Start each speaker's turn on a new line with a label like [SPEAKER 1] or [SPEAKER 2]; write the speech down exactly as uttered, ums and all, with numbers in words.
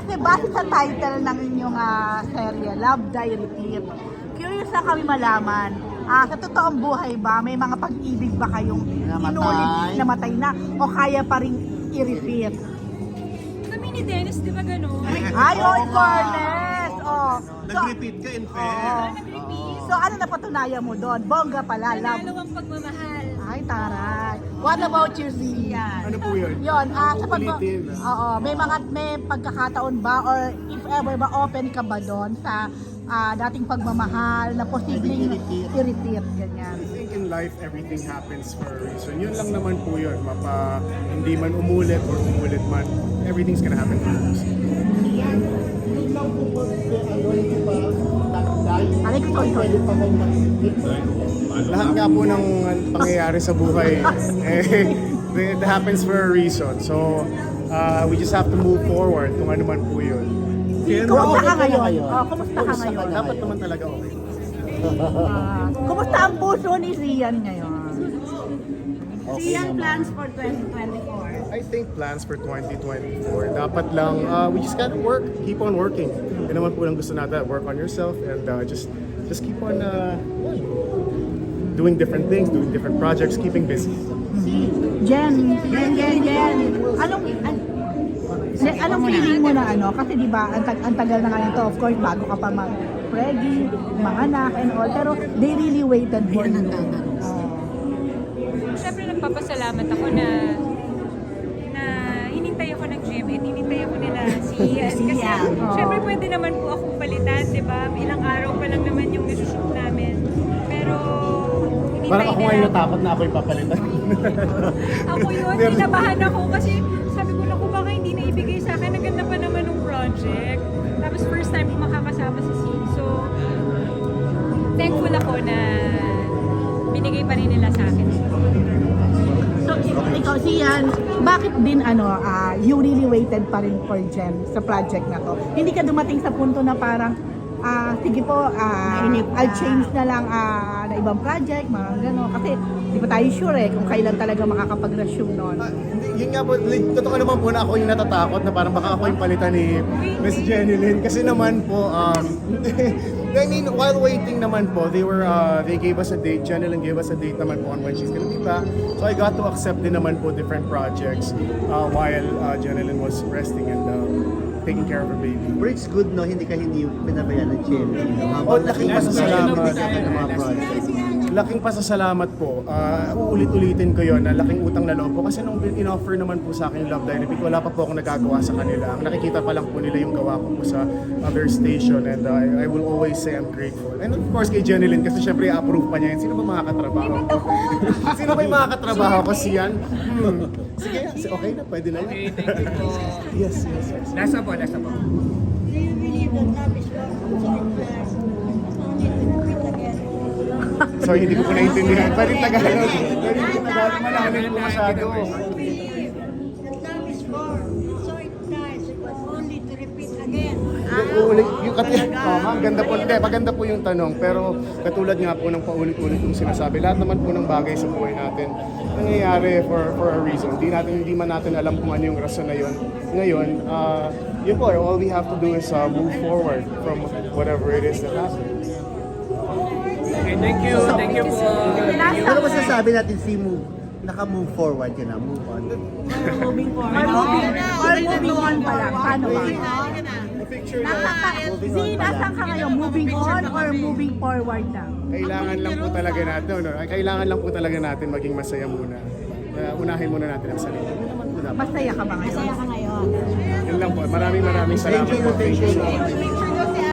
[SPEAKER 1] Kasi base sa title ng inyong ah, serye, Love Die Repeat, curious na kami malaman, ah, sa totoong buhay ba, may mga pag-ibig ba kayong
[SPEAKER 2] Namatay.
[SPEAKER 1] inulit, namatay na, o kaya pa rin i-repeat?
[SPEAKER 3] Kami ni Dennis, di ba gano'n?
[SPEAKER 1] Ay, oh, in fairness! Oh. So,
[SPEAKER 4] Nag-repeat ka in fair.
[SPEAKER 1] oh.
[SPEAKER 3] Nag-repeat.
[SPEAKER 1] So, ano napatunayan mo doon? Bongga pala, love.
[SPEAKER 3] Nanalo ang pagmamahal.
[SPEAKER 1] Ay, taray. What about you, Zian?
[SPEAKER 4] Ano po yun?
[SPEAKER 1] Yun, ah, sa pag...
[SPEAKER 4] Ulitin.
[SPEAKER 1] Oo, may mga, may pagkakataon ba or if ever ba open ka ba doon sa ah, dating pagmamahal na posibleng
[SPEAKER 2] i-repeat.
[SPEAKER 1] i-repeat, ganyan.
[SPEAKER 4] I think in life, everything happens for a reason. Yun lang naman po yun. Mapa, hindi man umulit or umulit man, everything's gonna happen for a reason.
[SPEAKER 1] Aray ko, sorry, sorry.
[SPEAKER 4] Lahat nga po ng pangyayari sa buhay, eh, it happens for a reason. So, uh, we just have to move forward kung ano man po yun.
[SPEAKER 1] Kumusta ka
[SPEAKER 2] okay ka
[SPEAKER 1] ngayon?
[SPEAKER 2] ngayon?
[SPEAKER 1] Oh, kumusta ka
[SPEAKER 2] Kumusta ka
[SPEAKER 1] ngayon?
[SPEAKER 2] na?
[SPEAKER 4] Dapat naman talaga okay.
[SPEAKER 1] Ah, kumusta ang puso ni Zian ngayon?
[SPEAKER 2] Okay naman.
[SPEAKER 1] for twenty twenty-four?
[SPEAKER 4] I think plans for twenty twenty-four, dapat lang, uh, we just gotta work, keep on working. Yun naman po lang gusto natin, work on yourself and uh, just just keep on uh, doing different things, doing different projects, keeping busy.
[SPEAKER 1] Jen, Jen, Jen, Jen. Anong, an, Jen, anong feeling mo na ano? Kasi di ba, ang, tag- ang tagal na nga nito, of course, bago ka pa mag-preggy, mga anak and all, pero they really waited for you. Oh.
[SPEAKER 3] Siyempre nagpapasalamat ako na na hinintay ako ng gym and hinintay ako nila si Ian. Kasi
[SPEAKER 1] Ian, oo.
[SPEAKER 3] siyempre pwede naman po akong palitan, di ba? Ilang araw pa lang naman yung isushoot namin. Pero hinintay
[SPEAKER 4] Parang ako
[SPEAKER 3] nila.
[SPEAKER 4] ngayon natakot na ako yung papalitan.
[SPEAKER 3] Ako yun, kinabahan ako kasi sabi ko lang kung baka hindi na ibigay sa akin. Ang ganda pa naman ng project. Tapos first time ko makakasama si C. So, thankful ako na binigay pa rin nila sa akin.
[SPEAKER 1] So, ikaw, Sian, bakit din ano, ah, you really waited pa rin for Jen sa project na to? Hindi ka dumating sa punto na parang, ah, sige po, ah, I'll change na lang ah, na ibang project, mga gano'n. Kasi di pa tayo sure eh kung kailan talaga makakapag-resume nun.
[SPEAKER 4] Ah, hindi, yun nga po, like, totoo naman po na ako yung natatakot na parang baka ako yung palitan ni Miss Jenny Lynn. Kasi naman po, um, I mean, while waiting naman po, they were, uh, they gave us a date, Jenny Lynn gave us a date naman po on when she's gonna be back. So I got to accept din naman po different projects uh, while uh, Jenny Lynn was resting and uh, taking care of her baby.
[SPEAKER 2] But it's good, no? Hindi ka hindi pinabayaan ng Chelsea. No?
[SPEAKER 4] Oh,
[SPEAKER 2] Habang
[SPEAKER 4] laking
[SPEAKER 2] nakikipag-salamat
[SPEAKER 4] pasasalamat.
[SPEAKER 2] ng mga project.
[SPEAKER 4] Laking pasasalamat po. Uh, uulit-ulitin ko yon na laking utang na loob po. Kasi nung in-offer naman po sa akin yung Love Die Repeat, wala pa po akong nagagawa sa kanila. Ang nakikita pa lang po nila yung gawa ko po sa other station and uh, I will always say I'm grateful. And of course kay Jenny Lynn kasi syempre i-approve pa niya yun. Sino ba makakatrabaho ko? Sino ba yung makakatrabaho ko? Siyan? Hmm. Sige, okay na, pwede na
[SPEAKER 5] Okay,
[SPEAKER 4] yan.
[SPEAKER 5] thank you po.
[SPEAKER 4] Yes, yes, yes.
[SPEAKER 5] Nasa po, nasa po.
[SPEAKER 6] Do you believe that love is love, second class, only to repeat again?
[SPEAKER 4] Sorry, hindi ko po naintindihan. Pwede Tagalog. Pwede Tagalog. Malalim po masyado.
[SPEAKER 6] Do you believe that love is born, so it dies, but only to repeat again?
[SPEAKER 4] Uulit, yung kat oh, ang ganda po, hindi, maganda po yung tanong, pero katulad nga po ng paulit-ulit yung sinasabi, lahat naman po ng bagay sa buhay natin, nangyayari for for a reason. Hindi natin, hindi man natin alam kung ano yung rason na yun. Ngayon, uh, yun po, all we have to do is uh, move forward from whatever it is that happens.
[SPEAKER 5] Okay, thank you, thank you po.
[SPEAKER 2] Ano ba sasabi natin si move? Naka-move forward ka na, move on.
[SPEAKER 1] Moving forward. Or moving, or moving on pa lang. Paano ba? Nasa ka, Z, nasaan ka ngayon? Moving on or moving forward na?
[SPEAKER 4] Kailangan lang po talaga natin, no? Kailangan lang po talaga natin maging masaya muna. Uh, unahin muna natin ang sarili. Yun naman po dapat.
[SPEAKER 1] Masaya ka ba ngayon? Masaya ka ngayon.
[SPEAKER 4] Yun lang po. Maraming maraming salamat po. Thank you so much.